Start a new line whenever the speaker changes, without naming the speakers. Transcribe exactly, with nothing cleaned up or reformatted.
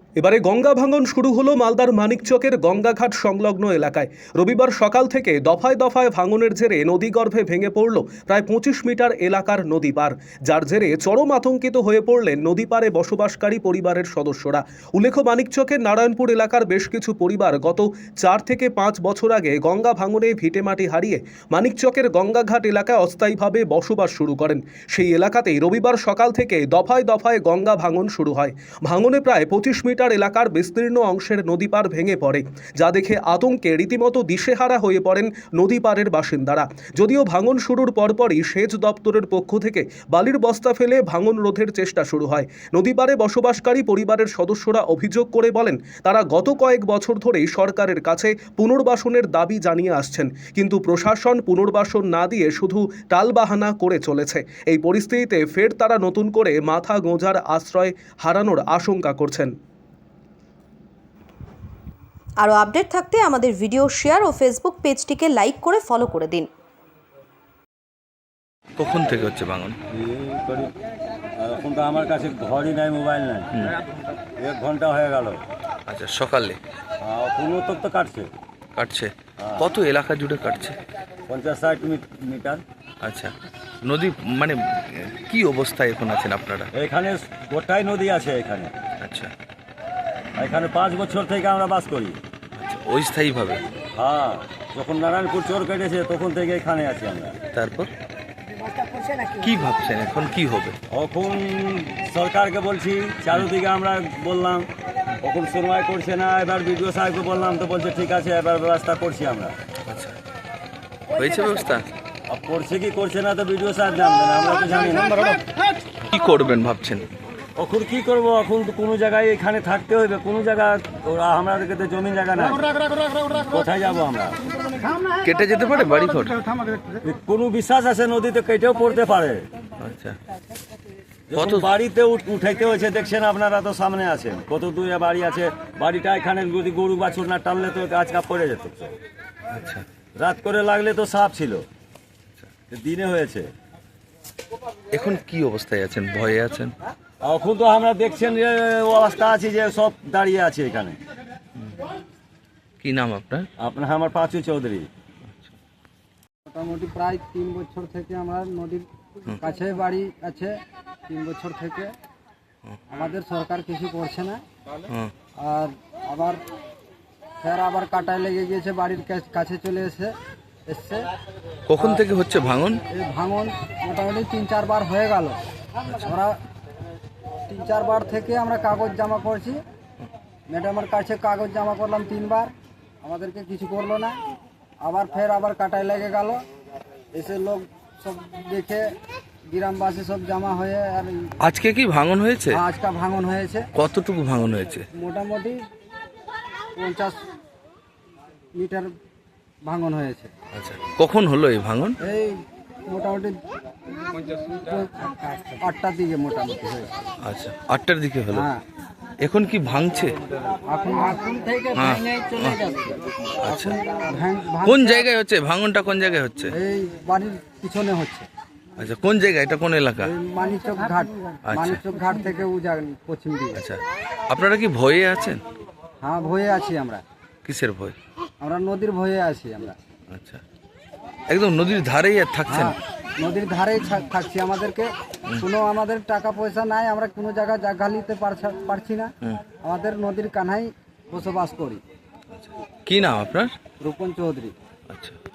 এবারে গঙ্গা ভাঙন শুরু হলো মালদার মানিকচকের গঙ্গাঘাট সংলগ্ন এলাকায়। রবিবার সকাল থেকে দফায় দফায় ভাঙনের জেরে নদীগর্ভে ভেঙে পড়ল প্রায় পঁচিশ মিটার এলাকার নদী পার, যার জেরে চরম আতঙ্কিত হয়ে পড়লেন নদী পারে বসবাসকারী পরিবারের সদস্যরা। উল্লেখ্য, মানিকচকের নারায়ণপুর এলাকার বেশ কিছু পরিবার গত চার থেকে পাঁচ বছর আগে গঙ্গা ভাঙনে ভিটেমাটি হারিয়ে মানিকচকের গঙ্গাঘাট এলাকায় অস্থায়ীভাবে বসবাস শুরু করেন। সেই এলাকাতেই রবিবার সকাল থেকে দফায় দফায় গঙ্গা ভাঙন শুরু হয়। ভাঙনে প্রায় পঁচিশ মিটার এলাকার বিস্তীর্ণ অংশের নদী পার ভেঙে পড়ে, যা দেখে আতঙ্কে রীতিমতো দিশেহারা হয়ে পড়েন নদী পারের বাসিন্দারা। যদিও ভাঙন শুরুর পরপরই সেচ দপ্তরের পক্ষ থেকে বালির বস্তা ফেলে ভাঙন রোধের চেষ্টা শুরু হয়। নদী পারে বসবাসকারী পরিবারের সদস্যরা অভিযোগ করে বলেন, তারা গত কয়েক বছর ধরেই সরকারের কাছে পুনর্বাসনের দাবি জানিয়ে আসছেন, কিন্তু প্রশাসন পুনর্বাসন না দিয়ে শুধু টালবাহানা করে চলেছে। এই পরিস্থিতিতে ফের তারা নতুন করে মাথা গোঁজার আশ্রয় হারানোর আশঙ্কা করছেন।
আরও আপডেট থাকতে আমাদের ভিডিও শেয়ার ও ফেসবুক পেজটিকে লাইক করে ফলো করে দিন।
কখন থেকে হচ্ছে ভাঙন?
এখন তো আমার কাছে ঘরই নাই, মোবাইল নাই, এক ঘন্টা হয়ে গেল।
আচ্ছা, সকালে
কোনো তো তো কাটছে
কাটছে? কত এলাকা জুড়ে কাটছে?
পঞ্চাশ ষাট মিটার।
আচ্ছা, নদী মানে কি অবস্থায় এখন আছেন আপনারা?
এখানে গোটাই নদী আছে এখানে।
আচ্ছা,
এখানে পাঁচ বছর থেকে আমরা বাস করি।
আচ্ছা, অস্থায়ীভাবে?
হ্যাঁ, যখন নারায়ণপুর চোর কেটেছে তখন থেকে এখানে আছি আমরা।
তারপর কি ভাবছেন এখন কি হবে?
এখন সরকারকে বলছি, চারুদিকে আমরা বললাম, এখন শুনবাই করছে না। এবার বিডিও সাহেবকে বললাম, তো বলছে ঠিক আছে, এবার ব্যবস্থা করছি আমরা।
আচ্ছা, হয়েছে ব্যবস্থা?
আর করছে কি করছে না তো বিডিও সাহেব জানবেন, আমরা তো জানি না।
কি করবেন ভাবছেন?
এখন কি করব, এখন তো কোনো জায়গায় এখানে থাকতে হইবে, কোনো জায়গা আমাদেরকে তো জমি জায়গা নাই, কোথায় যাব আমরা?
কেটে যেতে পারে বাড়ি ঘর?
কোনো বিশ্বাস আছে নদীতে কেটেও পড়তে পারে।
আচ্ছা,
কত বাড়িতে উঠাইতে হয়েছে দেখছেন আপনারা, তো সামনে আছেন, কত দূরে বাড়ি আছে। বাড়িটা এখানে যদি গরু বাছুর না টানলে তো গাছ কাপ পড়ে যেত।
আচ্ছা,
রাত করে লাগলে তো সাপ ছিল, দিনে হয়েছে।
এখন কি অবস্থায় আছেন? ভয়ে আছেন?
এখন তো আমরা দেখছেন যে অবস্থা আছে যে সব দাঁড়িয়ে আছে এখানে।
কি নাম আপনার?
আপনার আমার পাঁচু চৌধুরী।
মোটামুটি প্রায় তিন বছর থেকে আমরা নদীর কাছে বাড়ি আছে, তিন বছর থেকে আমাদের সরকার কিছু করছে না। আর আবার ফের আবার কাটায় লেগে গিয়েছে, বাড়ির কাছে চলে এসে এসছে।
কখন থেকে হচ্ছে ভাঙন?
এই ভাঙন মোটামুটি তিন চারবার হয়ে গেল। আমরা তিন চারবার থেকে আমরা কাগজ জমা করছি, ম্যাডামের কাছে কাগজ জমা করলাম তিনবার, আমাদেরকে কিছু করলো না। আবার ফের আবার কাটায় লেগে গেল, এসে লোক সব দেখে গ্রামবাসী সব জমা হয়ে। আর
আজকে কি ভাঙন হয়েছে?
আজকে ভাঙন হয়েছে।
কতটুকু ভাঙন হয়েছে?
মোটামুটি পঞ্চাশ মিটার ভাঙন হয়েছে।
আচ্ছা, কখন হলো এই ভাঙন?
এই মোটামুটি আটটার দিকে মোটামুটি হয়েছে।
আচ্ছা, আটটার দিকে হলো।
হ্যাঁ,
এখন কি ভাঙছে?
এখন এখন থেকে
হ্যাঁ।
ভেঙে চলে যাচ্ছে।
আচ্ছা,
ভাঙ- ভাঙ-
কোন জায়গায় হচ্ছে ভাঙনটা? কোন জায়গায় হচ্ছে?
এই বাড়ির পিছনে হচ্ছে,
আচ্ছা, কোন জায়গা? এটা কোন এলাকা?
এই মানিকচক ঘাট।
আচ্ছা।
মানিকচক ঘাট থেকে উজান পশ্চিম দিকে।
আচ্ছা, আপনারা কি ভয়ে আছেন?
হ্যাঁ, ভয়ে আছি আমরা।
কিসের ভয়?
আমরা নদীর ভয়ে আছি আমরা।
আচ্ছা, একদম নদীর ধারেই আর থাকছেন?
হ্যাঁ, নদীর ধারেই থাক- থাকছি। আমাদেরকে কোনো আমাদের টাকা পয়সা নাই, আমরা কোনো জায়গায় জায়গা নিতে পারছা- পারছি না। আমাদের নদীর কানায় বসবাস করি।
কি নাম আপনার?
রূপন চৌধুরী।
আচ্ছা।